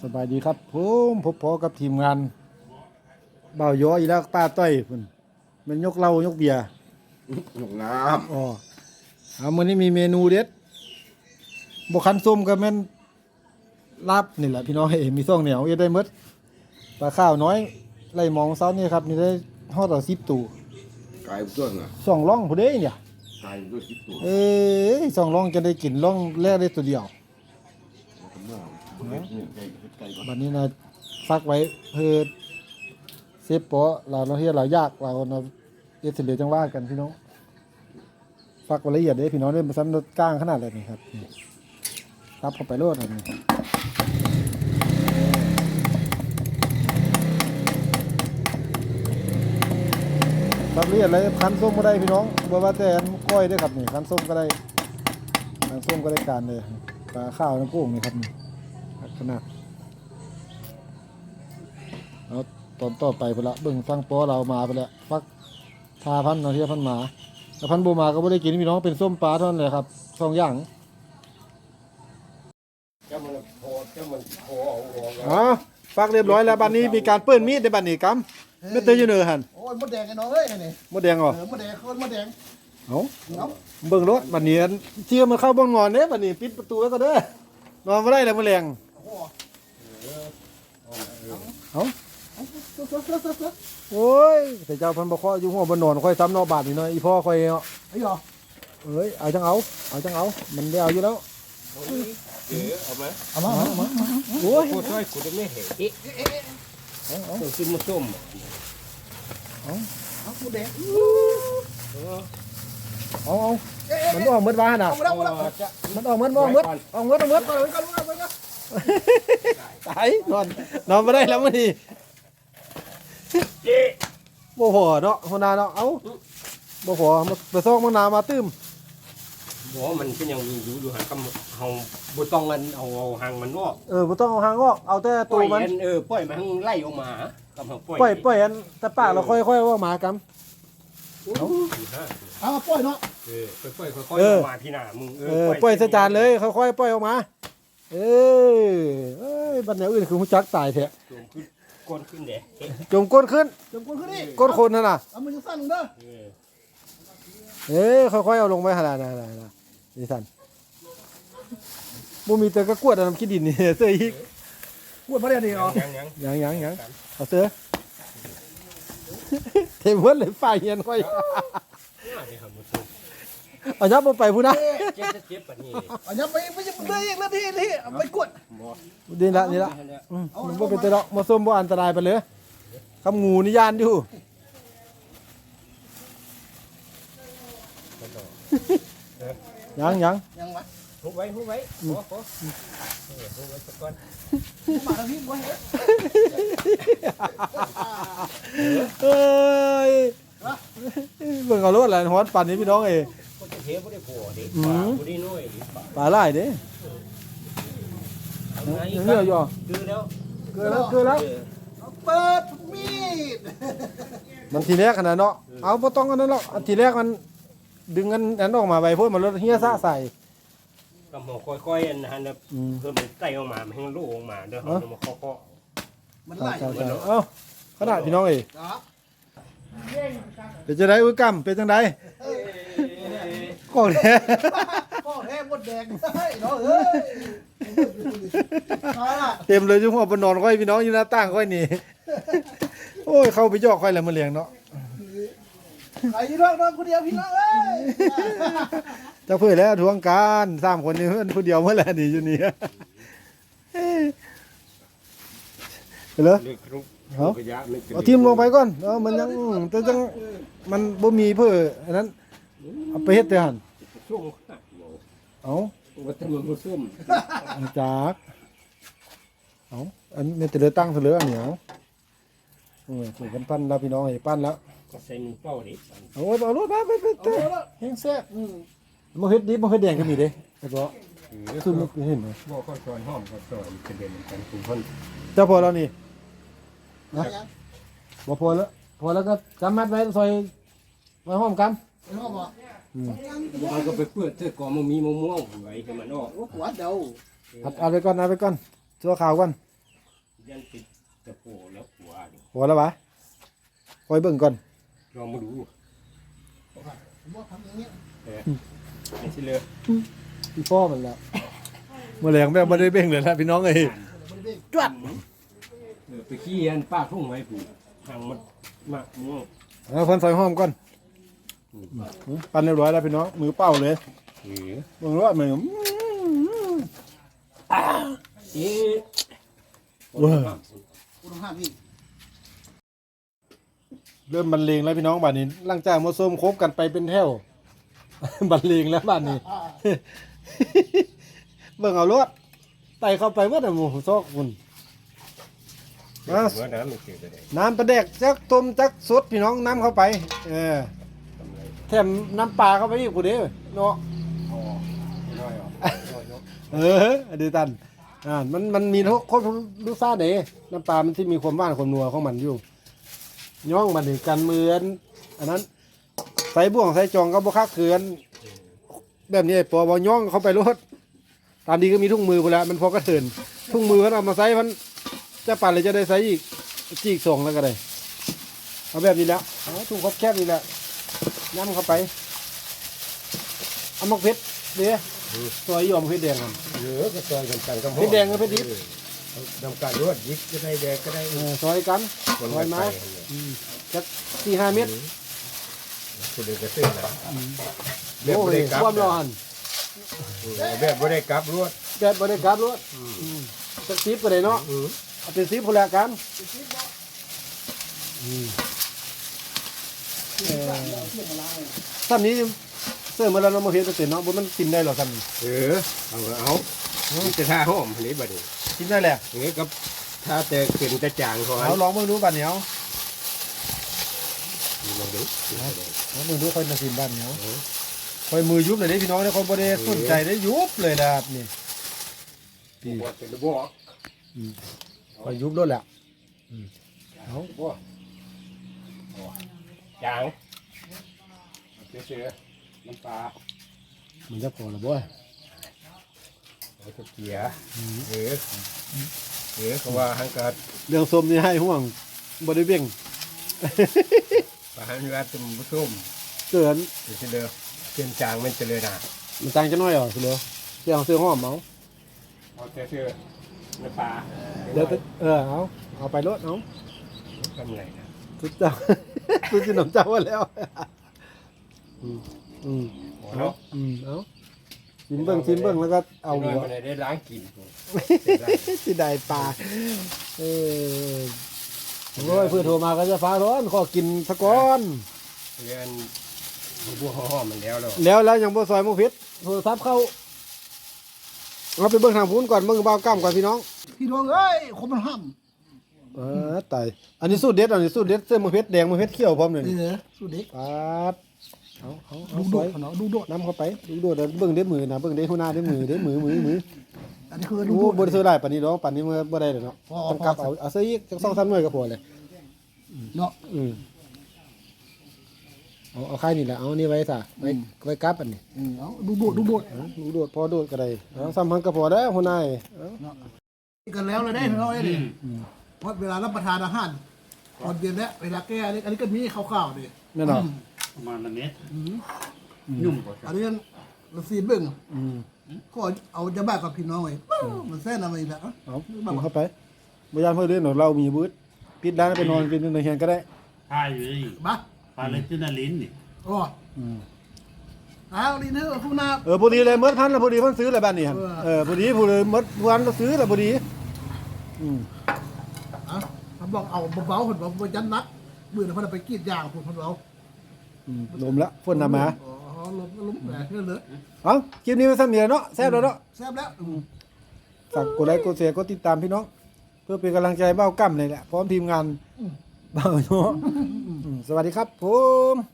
สบายดีครับผมพบพอกับทีมงานเบาย้ออีแล้วป้าต้อยพุ่นมันยกเหล้ายกเบียร์หนุกน้อ๋อมื้อนี้มีเมนูเด็ดบ่คันส้มก็แม่นลาบนี่แหละพี่น้องมีซ่องเหนียวเฮ็ดได้หมดปลาข้าวน้อยไล่มองเช้านี่ครับนี่ได้ฮอดต่อ10ตู้ำกายต้นอ่ะสองร่องผู้ใดเนี่ยกายด้วยคิดตัวสองร่องจะได้กินร่องแรกได้ตัวเดียวบัดนี้นะฟักไว้เพื่อเซฟปอเราเฮ็ดเรายากเราเอสเบจังว่ากันพี่น้องฟักไว้ละเอียดเด้พี่น้องเด้มาซ้ำก้างขนาดเลยนี่ครับรับเข้าไปโลดอันนี้รับละเอียดเลยคั้นส้มก็ได้พี่น้องบ่ว่าแต่ก้อยได้ครับนี่คั้นส้มก็ได้คั้นส้มก็ได้การเลยปลาข้าวน้ำกุ้งนี่ครับนี่ขนาดเอาตอนต่อไปไปละเบิ่งฟังปอเรามาไปแล้วฟักทาพันนาทีพันหมาแต่พันโบมาก็ไม่ได้กินพี่น้องเป็นส้มปลาเท่านั้นเลยครับสองอย่างอ๋อฟักเรียบร้อยแล้วบัดนี้มีการเปิ้ลมีดในบัดนี้กัมไม่เตยอยู่เนอหันโอ้ยมดแดงไอ้น้องเอ้ยนี่มดแดงเหรอมดแดงคนมดแดงเอาเบิ่งรถบัดนี้เชี่ยมันเข้าบ้านงอนเด้บัดนี้ปิดประตูแล้วก็เด้อนอนไม่ได้เลยมะเร็งเอาโอ้ยแต่เจ้าพันบ่ข้ออยู่หัวบนนอนค่อยซ้ำนอกบาทนี่หน่อยอีพ่อค่อยเนาะไอ้หรอเอ้ยเอาจังเอามันได้เอาอยู่แล้วเอามาโอ้ยพูดด้วยกูจะไม่เห็นต้องซื้อมาส้มเอามดแดงเอามันออกเมื่อวานน่ะมันออกเมื่อตายนอนไม่ได้แล้วมื้อนี้บ่พอเนาะหัวหน้าเนาะเอ้าบ่พอไปซอกมังนามาตื้มบอกว่ามันเป็นอย่างอยู่หางกำเอาบุต้องเงินเอาหางมันออกบ่ต้องเอาหางออกเอาแต่ตัวมันปล่อยมันไล่ออกมากำปล่อยอันแต่ปากเราค่อยๆว่าหมากำเอาปล่อยเนาะปล่อยค่อยๆออกมาพี่หน้ามึงปล่อยใส่จานเลยค่อยๆปล่อยออกมาบัดแนวอื่นคือฮู้จักตายแท้ก้นขึ้นเด้จมก้นขึ้นนี่ก้นคนนั่นน่ะเอามือสั้นลงเด้อค่อยๆเอาลงไปหั่นน่ะนี่สั่นบ่มีแต่กระกวดน้ำขี้ดินนี่เสื้ออีกกวดบ่ได้นี่เหรอยังเอาเสื้อเทมเพิ่นเลยฝ่ายเฮียนค่อยเอายับไปพุ่นนะเจ็บปานนี้เอายับไปไม่ได้อีกแล้วที่ไปกวดนี่ละมันบ่เป็นตะดอกมาส้มบ่อันตรายไปเลยคำงูนี่ย่านอยู่ยังวะทุบไว้ขอทุบไว้สักก่อนมาทางนี้บ่เฮ็ดเอ้ยเบิ่งเอารถอะไรฮอดปั่นนี้พี่น้องก็จะเทบ่ได้พอดิบ่ได้น้อยดิปลาไหลเด้เนื้อย่อเกลือแล้วเปิดมีดมันทีแรกขนาดเนาะเอาบ่ต้องอันนั้นหรอกทีแรกมันดึงอันออกมาใบโพดมันรถเฮียซะใส่กำหมอค่อยๆอันนั้นเพิ่มมันไต่ออกมาให้มันลูกออกมาเด้อเอามาเคาะมันไหลเอ้าขนาดพี่น้องเป็นจังได๋อุ้ยกำเป็นจังได๋ก็แท้มดแดงเฮ้ยน้องเอ้ยเต็มเลยจุ่มหัวบนนอนค่อยพี่น้องอยู่หน้าต่างค่อยนี่โอ้ยเข้าไปยอกค่อยแล้วมาเลี้ยงเนาะไอ้น้องคนเดียวพี่น้องเอ้ยเจ้าเพื่อนแล้วทวงการ3คนนี้เพื่อนผู้เดียวเมื่อไหร่นี่อยู่นี่เหรอเอาทีมลงไปก่อนมันยังแต่จังมันบ่มีเพื่ออันนั้นเอาไปเฮ็ดแต่หั่นเอาวัตถุมันส้มจากเอาอันนี้แต่เลือตั้งเหลืออันเหนียวถูกกันปั้นแล้วพี่น้องให้ปั้นแล้วก็ใส่มือเป้าดิเอารถมาไปแห้งแซ่บมันเฮ็ดดิบมันเฮ็ดแดงก็มีเด้แล้วก็ซึ่งมันเห็นไหมบ่ข้าวซอยหอมข้าวซอยกระเด็นกันคุณพ่นเจ้าพอแล้วนี่นะบ่พอแล้วก็จำมัดไว้ซอยไว้หอมกันหอมบ่มันก็ไปเพื่อเสื้อกอมมีม่วงไว้ให้มันออกหัวเดาเอาไปก่อนชั่วข่าวก่อนยันติดตะโพแล้วหัวนี่พอแล้ววะคอยเบิ่งก่อนลองมาดูผมว่าทำอย่างเงี้ยนี่สิเลยพี่พ่อมันแล้วเมื่อแรงแม่ไม่ได้เบ่งเลยนะพี่น้องเอ้ยจวดไปขี้อันป้าทุ่งไว้ผูกทางมันมากม่วงเอาเพิ่นใส่ห้อมก่อนปั้นเรียบร้อยแล้วพี่น้องมือเป้าเลยเออเบิ่งรอดมือเอ๊ะว้าคุณต้องห้ามอีกเริ่มบรรเลงแล้วพี่น้องบ้านนี้หลังจากมาส้มคบกันไปเป็นแถว บรรเลงแล้วบ้านนี้ เบิ่งเอารถไต่เข้าไปว่าแต่หมูซอกคุณมาเมื่อน้ำมันเกิดอะไรน้ำปลาแดกจักต้มจักสดพี่น้องน้ำเข้าไปทำไรแถมน้ำปลาเข้าไปอีกกูเด้อเนาะอ๋อน้อยอ๋อน้อยเนาะอดีตันมันมีทุกคนรู้ซ่าเด้น้ำปลามันที่มีความหวานความนัวของมันอยู่ย่องมันถึงกันเหมือนอันนั้นใส่บ่วงใส่จองก็บ่คักเขือนแบบนี้ไอ้ปอบ่ย่องเข้าไปรถตามดีก็มีทุ่งมือไปแล้วมันพอกระเถินทุ่งมือมันเอามาใส่มันจะปั่นเลยจะได้ใส่อีกจีกส่งแล้วก็ได้เอาแบบนี้แล้วเอาทุ่งครบแคบนี่แหละย้ำเข้าไปเอามะเพชรเดี๋ยวซอยยอมเพชรแดงกันเยอะก็ซอยกันกันกับเพชรแดงกับเพชรดิบดำการรวดยิกก็ได้แดงก็ได้ซอยกันคนซอยมาจัก4-5 เมตรคนเดียวก็ซื้อแล้วแบบโอ้บ่ยได้กลับความร้อนแบบบ่ได้กลับรวดแบบบริการรถสัก10ก็ได้เนาะเอาเป็น10พุ่นละกันท่านนี้เสื้อมาแล้วเนาะมาเฮ็ดเป็นเนาะบ่มันกินได้หรอท่านเอาจะท่าหอมอันนี้บัดนี้กินได้แหละเอ้กับถ้าแต่เข็นจะจางก่อนเอาลองเบิ่งดูบัดเหนียวลองดูลองเบิ่งดูค่อยมากินบัดเหนียวค่อยมือยุบเลยเด้พี่น้องเด้อคนบ่ได้สนใจได้ยุบเลยนะครับนี่บวชเป็นบ่ค่อยยุบรถแหละเอาบ่จางเสือน้ำปลามันจะพอละบ่เอาตะเกียเขาว่าหังกัดเรื่องส้มนี่ให้ห่วงบ่ได้เบ่งปลาหันว่าตุ่มส้มเกินเดี๋ยวเด้อเปลี่ยนจางมันจะเลยนะมันต่างจะน้อยเหรอสิเหลือเรื่องซื้อหอมเอาเอาแต่เสือน้ำปลาเดี๋ยวเอาไปรถเอาทำไรนะสุดเจ้า สุดที่น้ำเจ้าว่าแล้วเอาเอาชิมเบิ้งแล้วก็เอาหน่หัอวยมันได้ล้างกินสิได้ปลาโอ้ยเพื่อโทรมาก็จะฟ้าร้อนขอกินสะก้อนเรียนบัวหอมมันแล้วแล้วยังบ่ซอยหมุพิษโทรศัพท์เข้าเราไปเบิ่งทางพุ้นก่อนเบิ่งเบาก้ามก่อนพี่น้องพี่น้องเอ้ยคนมันห้ามตายอันนี้สูตรเด็ดเสื้อหมุพิษแดงหมุพิษเขียวพร้อมเลยนี่เหรอสุดเด็กปาดเอาดูซโดอดยเนาะดูโดดน้ำเข้าไปดูโดดเบิ่งเด้มือนะเบิ่งเด้หัวหน้าเด้มือมืออันนี้คือดูโอ้โดดบ่ได้ซื้อได้ปานนี้ดอกปานนี้เมื่อบ่ได้เลยเนาะพอต้องกลับเอาซื้ออีกจัก2-3หน่วยก็พอเลยเนาะเอาไข่นี่แหละเอานี่ไว้ซะไว้กลับอันนี้เอาดูโดดดูโดดดูโดดพอโดดก็ได้เอาซ้ำพันก็พอแล้วหัวหน้าเอากันแล้วเลยได้พี่น้องเอ้ยดิเพราะเวลารับประทานอาหารตอนเย็นแล้วเวลาแก้อันนี้ก็มีข้าวๆดิแม่นเนาะประมาณนั้นเนี้ยยุ่งกว่าอันนี้เราซีเบิ้งก็เอาจะบ้ากับพี่น้องไว้มันแซ่นอะไรแบบเอากินเข้าไปบ่ยามเพิ่นเด้อเรามีบื้ปิดร้านไปนอนกินในเฮียนก็ได้ใช่เลยบ้าปลาเลนตินาลินนี่โอ้เอาลีเนอร์คุณนาพอดีเลยมดพันแล้วพอดีเพิ่นซื้อแล้วบ้านนี้หั่นพอดีผู้เลยมดพันแล้วซื้อแล้วพอดีเขาบอกเอาเบาๆคนบอกยันนักมือเขาไปกรีดยางคนเราลมละฝนนำมาอ๋อล้มแต่เรื่องเลยเอ้าคลิปนี้มันซ้ำนี่เนาะแซ่บแล้วเนาะแซ่บแล้วฝากกดไลค์กดแชร์กดติดตามพี่น้อง เพื่อเป็นกำลังใจเบ้ากั้มเลยแหละพร้อมทีมงานเบ้าเนาะสวัสดีครับผม